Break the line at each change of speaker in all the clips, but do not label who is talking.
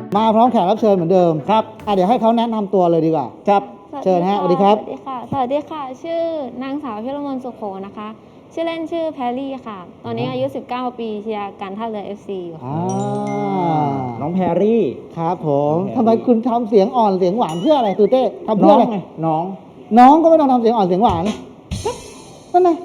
มาพร้อมแขกรับเชิญเหมือนเดิม
ครับ
เดี๋ยวให้เขาแนะนำตัวเลยดีกว่า
ครับ
เชิญฮะสวัสดีครับ
สวัสดีค่ะ สวัสดีค่ะ ชื่อนางสาวพิรมนสุโขนะคะ ชื่อเล่นชื่อแพรรี่ค่ะ ตอนนี้อายุ 19 ปีเชียร์การท่าเรือ FC อยู่ค่ะ
น้องแพรรี่
ครับผม
น้องแพรรี่
ทำไมคุณทำเสียงอ่อนเสียงหวานเพื่ออะไรตูเต้ทำเพื่
น้
อ
อง
อะไร
ไงน้อง
น้องก็ไม่ต้องทำเสียงอ่อนเสียงหวานนั่นไง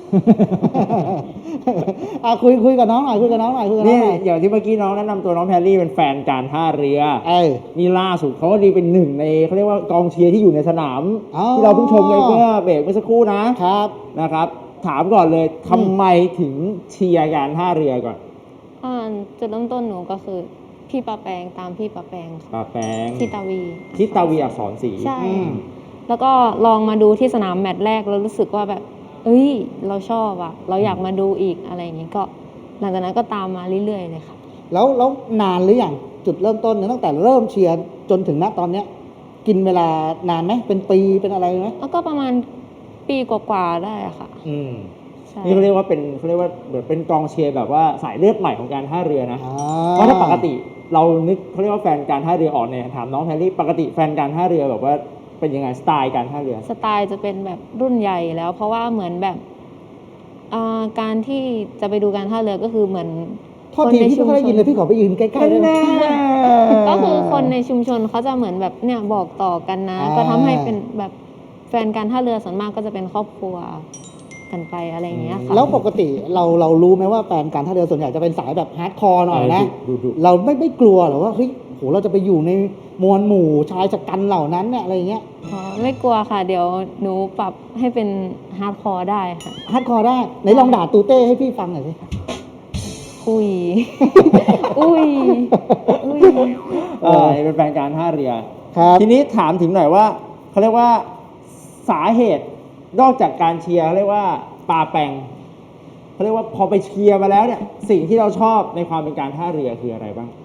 คุยกับน้องหน่อยคุยกับน้องหน่อยคุยกับน้
นี่
องหน่อย
อย่างที่เมื่อกี้น้องแนะนำตัวน้องแพรรี่เป็นแฟนการท่าเรือ นี่ล่าสุดเขาก็ดีเป็นหนึ่งในเขาเรียกว่ากองเชียร์ที่อยู่ในสนาม
อ๋อ
ที่เราเพิ่งชมไปเมื่อเบรกเมื่อสักครู่นะครับ นะครับ ถามก่อนเลยทำไมถึงเชียร์การท่าเรือก่อน
จุดเริ่มต้นหนูก็คือพี่ปาแปงตามพี่ปาแปงค่ะ
ปาแปง
ที่ตาวี
ทิตาวีอักษรศรี
ใช่
อืม
แล้วก็ลองมาดูที่สนามแมตช์แรกแล้วรู้สึกว่าแบบ เอ้ย เราชอบอะเราอยากมาดูอีกอะไรอย่างงี้ก็ หลังจากนั้นก็ตามมาเรื่อยๆเลยค่ะ
แล้วนานหรือยังจุดเริ่มต้นเนี่ยตั้งแต่เริ่มเชียร์จนถึงณตอนเนี้ย กินเวลานานไหมเป็นปีเป็นอะไรไหม
แล้วก็ประมาณปีกว่าๆได้อะค่ะ
อืม
ใช่
นี่เขาเรียกว่าเป็นเขาเรียกว่าเหมือนเป็นกองเชียร์แบบว่าสายเลือดใหม่ของการท่าเรือนะ เพราะถ้าปกติเรานึกเขาเรียกว่าแฟนการท่าเรือออกเนี่ยถามน้องแพรรี่ปกติแฟนการท่าเรือแบบว่าเป็นยังไงสไตล์การท่าเรือ
สไตล์จะเป็นแบบรุ่นใหญ่แล้ว เพราะว่าเหมือนแบบการที่จะไปดูการท่าเรือก็คือเหมือน
โทษทีพี่ไม่ค่อยได้ยินเลยพี่ขอไปยืนใกล้ๆได้ไหม
ก็คือคนในชุมชนเขาจะเหมือนแบบเนี่ยบอกต่อกันนะ ก็ทำให้เป็นแบบแฟนการท่าเรือส่วนมากก็จะเป็นครอบครัวกันไปอะไรอย่างเงี้ยค่ะ
แล้วปกติเรารู้ไหมว่าแฟนการท่าเรือส่วนใหญ่จะเป็นสายแบบฮาร์ดคอร์หน่อยนะ
ดุ
เราไม่กลัวหรอว่าเฮ้ยโหเราจะไปอยู่ในมวลหมู่ชายชะกันเหล่านั้นเนี่ยอะไรอย่างเงี้ย
อ๋อไม่กลัวค่ะ เดี๋ยวหนูปรับให้เป็นฮาร์ดคอร์ได้ค่ะ
ฮาร์ดคอร์ได้ไหนลองด่าตูเต้ให้พี่ฟังหน่อยสิ
อุ้ย อุ้ย อุ้ย
เป็นแฟนการท่าเรือ
ครับ
ทีนี้ถามถึงหน่อยว่าเขาเรียกว่าสาเหตุนอกจากการเชียร์เขาเรียกว่าปาแปงเขาเรียกว่าพอไปเชียร์มาแล้วเนี่ยสิ่งที่เราชอบในความเป็นการท่าเรือคืออะไรบ้าง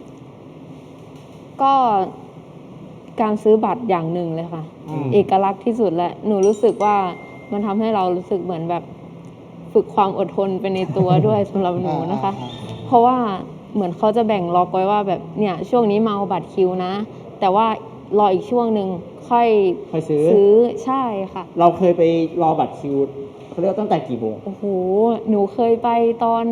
ก็การซื้อบัตรอย่างหนึ่งเลยค่ะ
อืม
เอกลักษณ์ที่สุดและหนูรู้สึกว่ามันทำให้เรารู้สึกเหมือนแบบฝึกความอดทนไปในตัวด้วย สำหรับหนูนะคะ เพราะว่าเหมือนเขาจะแบ่งล็อกไว้ว่าแบบเนี่ยช่วงนี้มาเอาบัตรคิวนะ แต่ว่ารออีกช่วงหนึ่งค่อย
ค่อยซื้อ
ใช่ค่ะ
เราเคยไปรอบัตรคิวเขาเรียกว่าตั้งแต่กี่โมง
โอ้โหหนูเคยไปตอน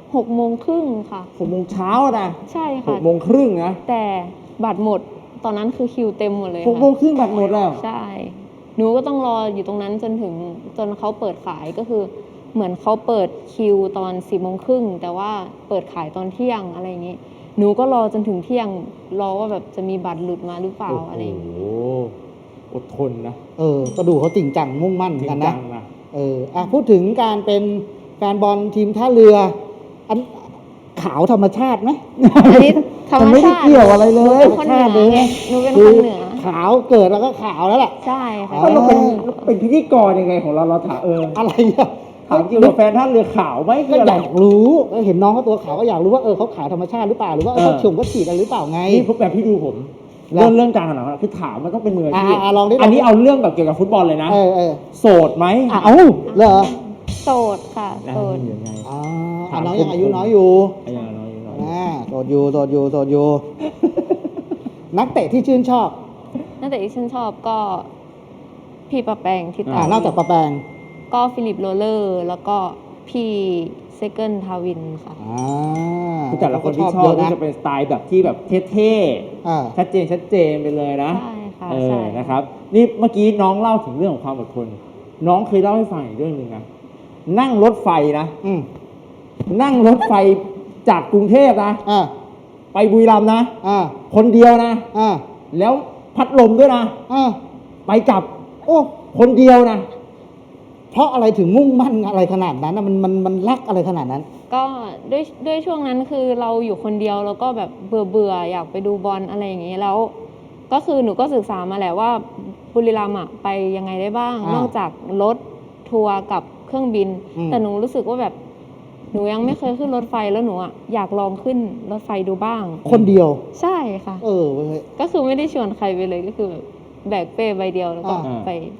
6:30ค่ะ
6 โมงเช้านะ
ใช่
ห
ค่ะ
กโมงครึ่งนะ
แต่บัตรหมดตอนนั้นคือคิวเต็มหมดเลย
6 โมง
ค่ะ
ครึ่งบัตรหมดแล้ว
ใช่ หนูก็ต้องรออยู่ตรงนั้นจนเขาเปิดขายก็คือเหมือนเขาเปิดคิวตอน10:30แต่ว่าเปิดขายตอนเที่ยงอะไรอย่างนี้ หนูก็รอจนถึงเที่ยงรอว่าแบบจะมีบัตรหลุดมาหรือเปล่าอะไรอย่างนี้
โอ้โหอดทนนะ
ก็ดูเขาจริงจังมุ่งมั่น
จริ
กัน
งจั
นะ
งนะ
พูดถึงการเป็นแฟนบอลทีมท่าเรืออันขาวธรรมชาติไหม
อันนี้ธรรม
นไม่ได้
ชาติ
เกี่ยวอะไรเลย
หนูเป็นคนเหนือไงหนูเป็นคนเหนือ
ขาวเกิดแล้วก็ขาวแล้วแหละ
ใช่ค่ะ
ก็เราเป็นพิธีกรยังไงของเราถาม
อะไรอ่ะ
ถามจริงว่าแฟนท่านเรือขาวไหมคื
ก็
ออะ
อ
ไร
ยากรู้เห็นน้องเขาตัวขาวก็อยากรู้ว่าเขาขาวธรรมชาติหรือเปล่าหรือว่าเขาฉีดอะไรหรือเปล่าไง
นี่พวกแบบพี่ดูผม
แล้ว
เรื่องการขนาดนั้นคือถามมันต้องเป็นมืออาชีพ
ลองดิ
อันนี้เอาเรื่องแบบเกี่ยวกับฟุตบอลเลยนะ โสดไหม
เอ้าเหรอ
โสดค่ะโสด
ยังไง
น้องยังอายุน้อยอยู่
ยังน้อยอยู่
โสดอยู่ นักเตะที่ชื่นชอบ
ตั้งแต่ที่ฉันชอบก็พี่ปะแปงที่ตาน
อกจากปะแปง
ก็ฟิลิปโรเลอร์แล้วก็พี่เซเกิลทาวินค่ะ
คือแต่ละคนที่ชอบก็จะเป็นสไตล์แบบที่แบบเท่ๆชัดเจนไปเลยนะ
ใช่ค่ะใช่
นะครับ นี่เมื่อกี้น้องเล่าถึงเรื่องของความอดทน น้องเคยเล่าให้ฟังอีกเรื่องหนึ่งนะนั่งรถไฟนะนั่งรถไฟจากกรุงเทพนะไปบุรีรัมย์นะคนเดียวนะแล้วพัดลมด้วยนะไปกลับคนเดียวนะ
เพราะอะไรถึงมุ่งมั่นอะไรขนาดนั้นมันรักอะไรขนาดนั้น
ก็ด้วยช่วงนั้นคือเราอยู่คนเดียวแล้วก็แบบเบื่ออยากไปดูบอลอะไรอย่างนี้แล้ว ก็คือหนูก็ศึกษามาแหละว่าบุรีรัมย์อะไปยังไงได้บ้าง นอกจากรถทัวร์กับเครื่องบิน แต่หนูรู้สึกว่าแบบหนูยังไม่เคยขึ้นรถไฟแล้วหนูอะอยากลองขึ้นรถไฟดูบ้าง
คนเดียว
ใช่ค่ะ
เว้ย
ก็คือไม่ได้ชวนใครไปเลยก็คือแบบแบกเป้ใบเดียวแล้วก็ไป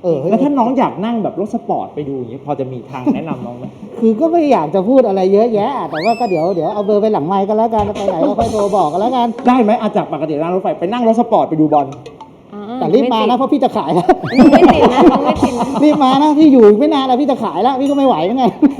เฮ้ย
แล้วถ้าน้องอยากนั่งแบบรถสปอร์ตไปดูอย่างนี้พอจะมีทางแนะนำน้องไหม
คือก็ไม่อยากจะพูดอะไรเยอะแยะ แต่ว่าก็เดี๋ยวเอาเบอร์ไปหลังไมค์กันแล้วกันไปไหนก็ค่อยโทรบอกกันแล้วกัน
ได้ไหมอาจากปกตินั่งรถไฟไปนั่งรถสปอร์ตไปดูบอล
แต่รีบมานะเพราะพี่จะขายแล้ว
ไม่ติดนะน้องไม่ติดนะ
รีบมานะพี่อยู่อีกไม่นานแล้วพี่จะขายแล้วพี่ก็ไม่ไหวแล้วไง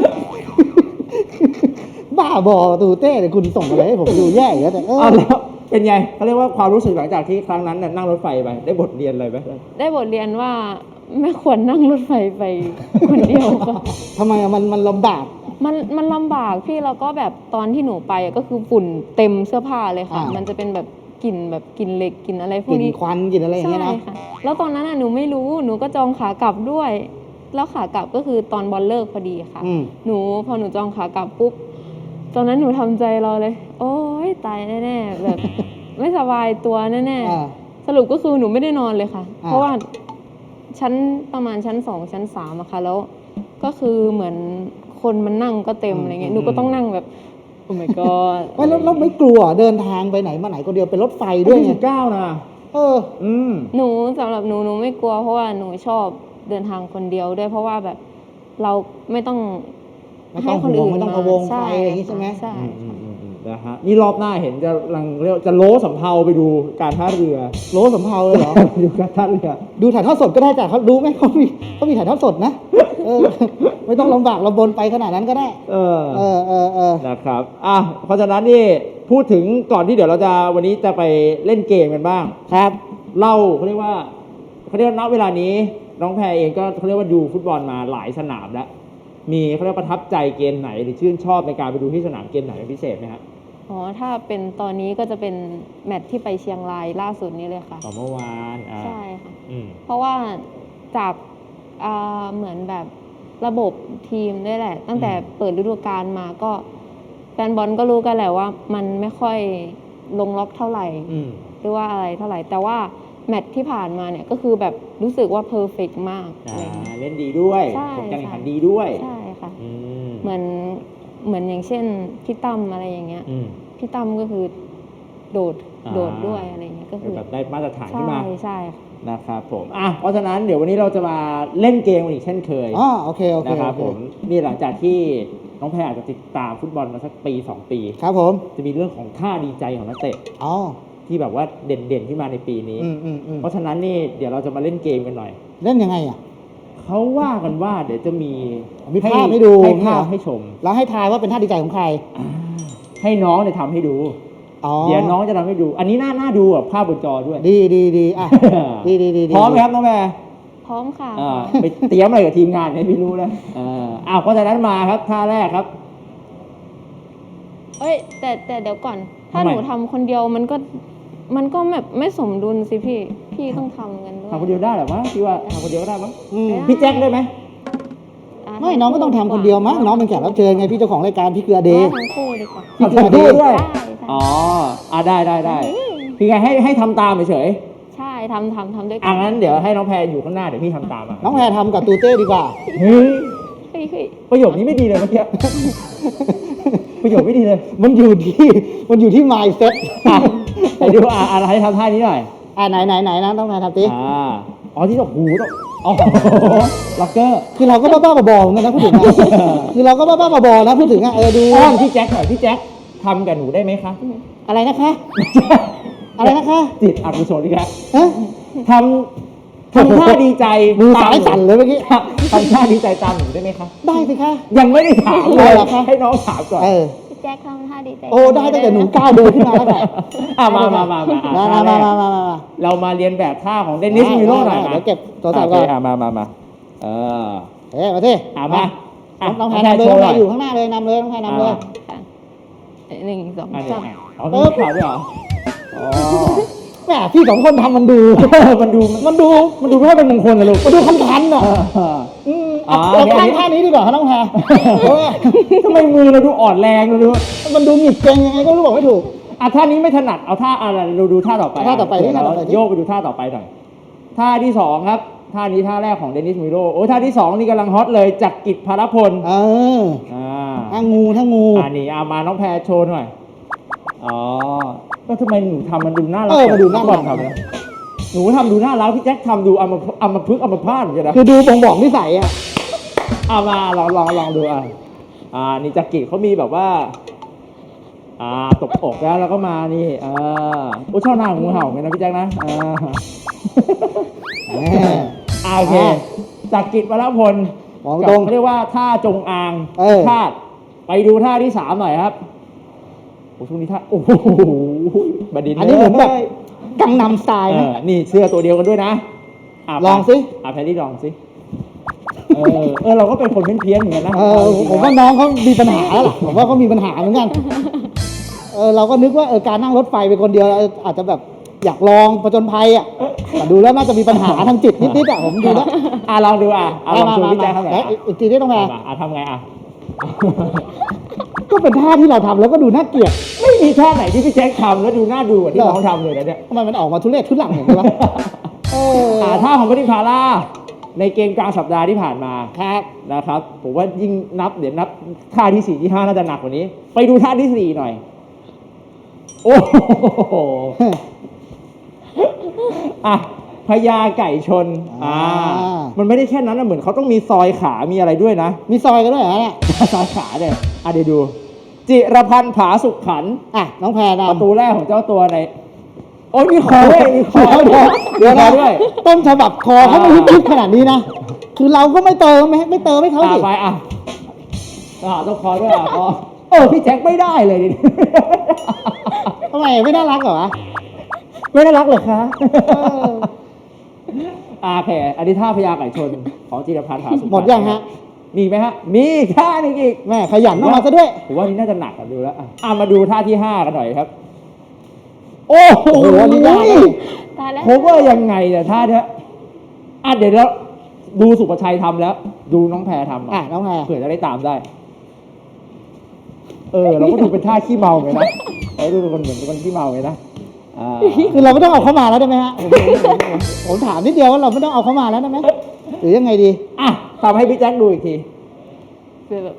บ้าบอตูเต้เดี๋ยวคุณส่งอะไรให้ผมดูแย่อีกแล้วแต่
เอาแล้วเป็นไงเขาเรียกว่าความรู้สึกหลังจากที่ครั้งนั้นน่ะนั่งรถไฟไปได้บทเรียนอะไรไหม
ได้บทเรียนว่าไม่ควรนั่งรถไฟไปคนเดียวค่ะ
ทำไมอะมันลำบาก
มันลำบากพี่แล้วก็แบบตอนที่หนูไปก็คือฝุ่นเต็มเสื้อผ้าเลยค่ะ มันจะเป็นแบบกลิ่นแบบกลิ่นเหล็กกลิ่นอะไรพว
ก
ก
ลิ่น
นี้
ควันกลิ่นอะไรอย่างเงี้ยนะ
ใช่ค่ะแล้วตอนนั้นหนูไม่รู้หนูก็จองขากลับด้วย แล้วขากลับก็คือตอนบอลเลิกพอดีค่ะ พอหนูจองขากลับปุ๊บตอนนั้นหนูทำใจรอเลย โอ๊ยตายแน่ๆแบบ ไม่สบายตัวแน่ๆสรุปก็คือหนูไม่ได้นอนเลยค่ะ เพราะว่าประมาณชั้น2ชั้น3อะค่ะแล้วก็คือเหมือนคนมันนั่งก็เต็มอะไรเงี้ยหนูก็ต้องนั่งแบบโอ้ my god
ไม่แล้วไม่กลัวเดินทางไปไหนมาไหนคนเดียวเป็นรถไฟด้วยไง
19นะ
หนูสำหรับหนูไม่กลัวเพราะว่าหนูชอบเดินทางคนเดียวด้วยเพราะว่าแบบเราไม่ต้องให้คนอื่น
ไม่ต้องพะวงใครอย่างนี้ใช่ไหม
ใช่
นะฮะนี่รอบหน้าเห็นจะลังเรียกจะโล้สำเภาไปดูการท่าเรือ
โลสำเภาเลยเหรอ
ดูการท่าเรือ
ดูถ่ายทอดสดก็ได้จ้ะเขาดูไหมเขามีถ่ายทอดสดนะไม่ต้องลำบากลำบนไปขนาดนั้นก็ได้
นะครับเพราะฉะนั้นนี่พูดถึงก่อนที่เดี๋ยวเราจะวันนี้จะไปเล่นเกมกันบ้าง
ครับ
เล่าเขาเรียกว่าณเวลานี้น้องแพรเองก็เขาเรียกว่าดูฟุตบอลมาหลายสนามแล้วมีเขาเรียกประทับใจเกมไหนหรือชื่นชอบในการไปดูที่สนามเกมไหนเป็นพิเศษไหมฮะ
ถ้าเป็นตอนนี้ก็จะเป็นแมตช์ที่ไปเชียงรายล่าสุดนี้เลยค่ะ
เมื่อวาน
ใช่ค่ะเพราะว่าจากเหมือนแบบระบบทีมด้วยแหละตั้งแต่เปิดฤดูกาลมาก็แฟนบอลก็รู้กันแหละว่ามันไม่ค่อยลงล็อกเท่าไหร่หรือว่าอะไรเท่าไหร่แต่ว่าแมตช์ที่ผ่านมาเนี่ยก็คือแบบรู้สึกว่าเพอร์เฟกต์มาก
เล่นดีด้วยผลการแข่งขันดีด้วย
ใช่ค่ะเหมือนอย่างเช่นพี่ตั้มอะไรอย่างเงี้ยพี่ตั้มก็คือโดดด้วยอะไรอย่างเงี้ยก็คือ
แบบได้มาตรฐานขึ้นมา
ใช่
นะครับผมเพราะฉะนั้นเดี๋ยววันนี้เราจะมาเล่นเกมกันอีกเช่นเคย
โอเค
นะครับผมนี่หลังจากที่น้องแพรอาจจะติดตามฟุตบอลมาสักปี2ปี
ครับผม
จะมีเรื่องของท่าดีใจของนักเตะที่แบบว่าเด่นๆที่มาในปีนี้เพราะฉะนั้นนี่เดี๋ยวเราจะมาเล่นเกมกันหน่อย
เล่นยังไง
เขาว่ากันว่าเดี๋ยวจะมี
ภาพให้ดู
ให้ภาพให้ชม
แล้วให้ทายว่าเป็นท่าดีใจของใคร
ให้น้องเนี่ยทำให้ดูเดี๋ยวน้องจะทำให้ดูอันนี้น่าดูภาพบนจอด้วย
ดีดี
พร้อมไหมครับน้องแม่
พร้อมค่ะ
ไปเตรียมอะไรกับทีมงานเนี่ยไม่รู้นะเพราะฉะนั้นมาครับท่าแรกครับ
แต่เดี๋ยวก่อนถ้าหนูทำคนเดียวมันก็แบบไม่สมดุลสิพี่ต้องทำกันด้วย
ทำคนเดียวได้หรอวะพี่ว่าทำคนเดียวก็ได้มั้งพี่แจ็คได้ไหม
ไม่น้องก็ต้องทำคนเดียวมั้งน้องเป็นแขกรับเชิญไงพี่เจ้าของรายการพี่เกลือเดย์
ทั้งคู่ดีกว่า
พี่เกลือเดย์ด้วยได้พี่ไงให้ทำตามเฉย
ใช่ทำด้วยกั
นงั้นเดี๋ยวให้น้องแพรอยู่ข้างหน้าเดี๋ยวพี่ทำตาม
น้องแพรทำกับตูเต้ดีกว่า
ประโยคนี้ไม่ดีเลยเมื่อกี้ประโยคไม่ดีเลย
มันอยู่ที่ mindset
ไปดูอะไรให้ทำท่านี้หน่อย
ไหนนะต้องมาทำตี
ที่หูต้องล็อกเกอร์
คือเราก็บ้าๆบอๆเหมือนกันนะพูดถึงคือเราก็บ้าๆบอๆนะพูดถึงดู
พี่แจ็คหน่อยพี่แจ็คทำกับหนูได้ไหมคะ
อะไรนะคะอะไรนะคะ
จิตอกุศลอีกแล้วทำท่าดีใจ
มือสายสั่นเลยเมื่อกี้
ทำท่าดีใจตามหนูได้ไหมคะ
ได้สิคะ
ยังไม่ได้ถามเลยให้น้องถามก่อน
พี่แจ็คทำท่าดีใจ
ได้ตั้งแต่หนูก้าวเดินขึ้นมาแล้วแหละ
มาเรามาเรียนแบบท่าของเดนิสมิโร่หน่อย
เดี๋ยวเก็บตัวสอบก่อน
มา
มาสิ
มา
น้องแพรนำเลยอยู่ข้างหน้าเลยนำเลยน้องแพรนำเลย
1 2 3
ข่าวด้วยเหรอ
แหมพี่2คนทำมันดูไม่เป็นมงคลนะลูกมันดูคันๆท่านี้ดีกว่าน้องแพร
ทำไมมือเราดูอ่อนแรงเราดู
มันดูหงิกเกร็งยังไงก็รู้บอกไม่ถูก
ท่านี้ไม่ถนัดเอาท่าอะไรเราดูท่าต่อไปโยกไปดูท่าต่อไปหน่อยท่าที่2ครับท่านี้ท่าแรกของเดนิสมิโร่ท่าที่2นี่กำลังฮอตเลยจักริดพารพล
ท่างู
นี่มาน้องแพรโชว์หน่อยก็ทำไมหนูทำมันดูน่ารัก
มันดูน่ารัก
ทำเลยหนูทำดูน่ารักพี่แจ็คทำดูเอามาพึกษ์เอามาพาดเหมือนกันนะ
คือดูบ่งบอกนิสัยอ่ะ
เอามาลองดูนี่จักริเขามีแบบว่าตบอกแล้วก็มานี่โอ้ชอบหน้างูเห่าไงนะพี่แจ็คนะโอเคจักริวรพล
มองตรง
เขาเรียกว่าท่าจงอาง
เออ
พาดไปดูท่าที่3หน่อยครับโอ้ช่วงนี้ท่าโอ้โหบดินทร์
อันนี้เหมือนแบบกังนำสไตล์นะ
นี่เสื้อตัวเดียวกันด้วยนะ
ลองสิ
แพรรี่ลองสิเราก็เป็นคนเพี้ยนๆเหมือนกันนะ
ผมว่าน้องเขามีปัญหาแล้วล่ะผมว่าเขามีปัญหาเหมือนกันเราก็นึกว่าการนั่งรถไฟไปคนเดียวอาจจะแบบอยากลองผจญภัยอ่ะแต่ดูแล้วน่าจะมีปัญหาทางจิตนิดๆอ่ะผมดูแล้ว
ลองดูลองชวนพี่แจ๊คทำหน่อย
อีกทีได้ต้องไง
ทำไง
ก็เป็นท่าที่เราทำแล้วก็ดูน่าเกลียด
ไม่มีท่าไหนที่พี่แจ๊คทำแล้วดูน่าดูกว่าที่น้องทำเลยนะเนี่ย
ทำไมมันออกมาทุเรศทุลังอย่างนี้วะ
ท่าของบดินทร์พาร่าในเกมกลางสัปดาห์ที่ผ่านมา
ครับ
นะครับผมว่ายิ่งเดี๋ยวนับท่าที่4ที่5น่าจะหนักกว่านี้ ไปดูท่าที่4หน่อยโอ้โหพญาไก่ชนมันไม่ได้แค่นั้นนะเหมือนเขาต้องมีซอยขามีอะไรด้วยนะ
มีซอยกันด้วยเหรอเนี่ย
ซอยขาเนี่ยเดี๋ยวดูจิรพันธ์ผาสุขขันธ์
น้องแพรนะ
ประตูแรกของเจ้าตัวในโอ้ยมีคอด้วยมีคอด้วย
ต้นฉบับคอเขาไม่ฮิตขนาดนี้นะคือเราก็ไม่เติมให้เขาสิ
ไปต้องคอด้วยคอพี่แจ็คไม่ได้เลยดิ
ทำไมไม่น่ารักเหรอวะ
ไม่น่ารักเหรอคะโอเคอันนี้ท่าพญาไก่ชนของจิรพันธ์ผาสุข
หมดยังฮะ
มีไหมฮะมีท่านึงอีก
แม่ขยันออกมาซะด้วย
ผมว่านี่น่าจะหนักดูแล้วมาดูท่าที่5กันหน่อยครับโอ้โหนี่ยาก
ตายแล้ว
ผมว่ายังไงเนี่ยท่าเนี้ยเดี๋ยวแล้วดูสุภชัยทำแล้ว ดูน้องแพรทำ
น้องแพร
เผื่อจะได้ตามได้เราก็ดูเป็นท่าขี้เมาไงนะดูเป็นคนเหมือนเป็นคนขี้เมาไงนะ
คือเราไม่ต้องเอาเข้ามาแล้วได้ไหมฮะผมถามนิดเดียวว่าเราไม่ต้องเอาเข้ามาแล้วได้ไหมหรือยังไงดี
ทำให้พี่แจ็คดูอีกที
แบบ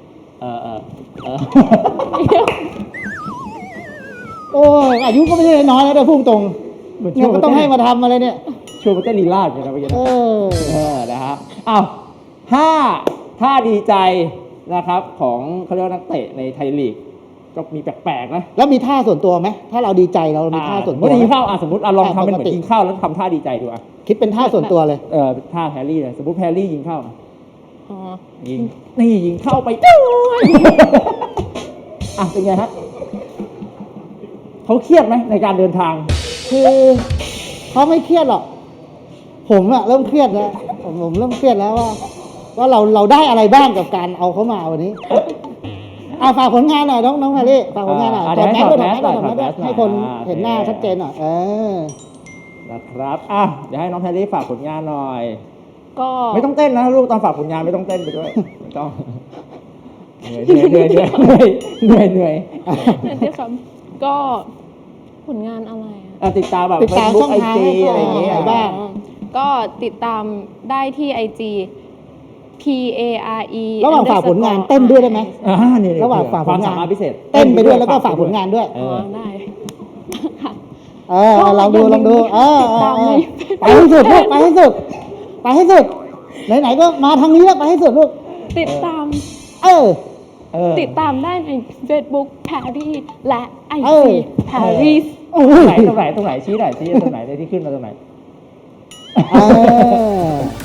โอ้ยอายุก็ไม่ใช่น้อยแล้วเดี๋ยวพุ่งตรงเนี่ยก็ต้องให้มาทำอะไรเนี่ย
ชวนมาเต้นลีลาดอย่างนะเมื่อกี้นะฮะท่าดีใจนะครับของเขาเรียกว่านักเตะในไทยลีกก็มีแปลกๆนะ
แล้วมีท่าส่วนตัวไหมถ้าเราดีใจเรามีท่าส่วนตัว
กินข้าวสมมติลองทำเป็นเหมือนกินข้าวแล้วทำท่าดีใจดู
คิดเป็นท่าส่วนตัวเลย
ท่าแพรรี่เลยสมมติแพรรี่ยิงเข้ายิงยิงเข้าไปเป็นไงฮะเขาเครียดไหมในการเดินทาง
คือเขาไม่เครียดหรอกผมเริ่มเครียดแล้วผมเริ่มเครียดแล้วว่าเราได้อะไรบ้างกับการเอาเขามาวันนี้ฝากผลงานหน่อยน้องแพรรี่ฝากผลงานหน่อยถอดแมสด้วยให้คนเห็นหน้าชัดเจนหน่อย
นะครับเดี๋ยวให้น้องแพรรี่ฝากผลงานหน่อย
ก็
ไม่ต้องเต้นนะลูกตอนฝากผลงานไม่ต้องเต้นไปด้วยไม่ต้องเหนื่อย
ที่คำก็ผลงานอะไร
ติดตามแบบ
ช่องทาง
อะไรอย่างเงี้ย
บ้าง
ก็ติดตามได้ที่ IG PARE
ระหว่างฝากผลงานเต้นด้วยได้ไหม
ระหว่างฝากผลงานพิเศษ
เต้นไปด้วยแล้วก็ฝากผลงานด้วย
ได้
ลองดูไปให้สุดลูกไปให้สุดไหนๆก็มาทางนี้แล้วไปให้สุดลูก
ติดตามติดตามได้ใน Facebook Paris และ IG Paris
ตรงไหนชี้หน่อยชี้ตรงไหนที่ขึ้นมาตรงไหน